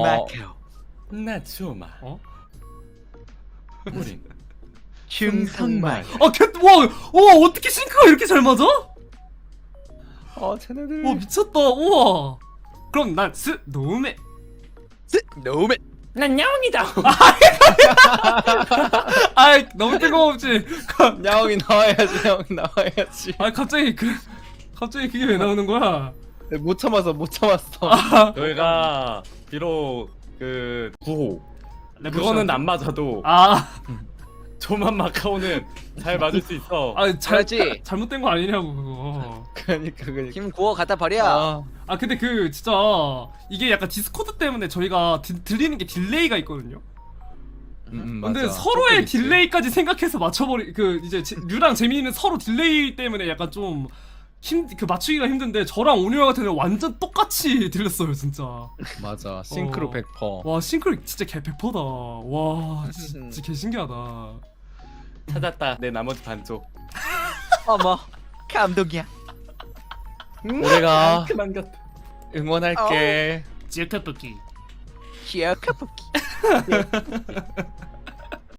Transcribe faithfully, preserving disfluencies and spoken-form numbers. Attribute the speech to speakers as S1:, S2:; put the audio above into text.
S1: 마카오.
S2: 나 조마.
S3: 어?
S2: 우린
S1: 충성말.
S3: 아, 개, 와, 와, 어떻게 싱크가 이렇게 잘 맞아?
S2: 어 쟤네들.
S3: 와, 미쳤다. 우와. 그럼 난 스, 노메.
S1: 노메.
S2: 난 야옹이다.
S3: 아이, 너무 뜬금없지.
S2: 야옹이 나와야지. 야옹이 나와야지.
S3: 아, 갑자기 그, 갑자기 그게 왜 나오는 거야?
S2: 못 참았어. 못 참았어.
S3: 아,
S2: 저희가 비록 그 구호 그거는 안 맞아도
S3: 아,
S2: 조만 마카오는 잘 맞을 수 있어.
S3: 아, 잘,
S1: 그렇지.
S3: 잘못된 거 아니냐고, 그거.
S2: 그러니까 그러니까.
S1: 힘 구워 갖다 버려.
S2: 아,
S3: 아, 근데 그, 진짜, 이게 약간 디스코드 때문에 저희가 디, 들리는 게 딜레이가 있거든요?
S2: 음, 음,
S3: 근데
S2: 맞아.
S3: 서로의
S2: 조금 있지.
S3: 딜레이까지 생각해서 맞춰버리 그 이제 제, 류랑 재민이는 서로 딜레이 때문에 약간 좀 힘 그 맞추기가 힘든데 저랑 온유랑 같은 경우 완전 똑같이 들렸어요 진짜.
S2: 맞아. 싱크로
S3: 어.
S2: 백 퍼센트.
S3: 와 싱크로 진짜 개 백퍼다. 와 진짜 개 신기하다.
S2: 찾았다. 내 나머지 반쪽.
S1: 어머, 감동이야.
S2: 우리가 응원할게.
S3: 찌크뿌기.
S1: 기억해볼게.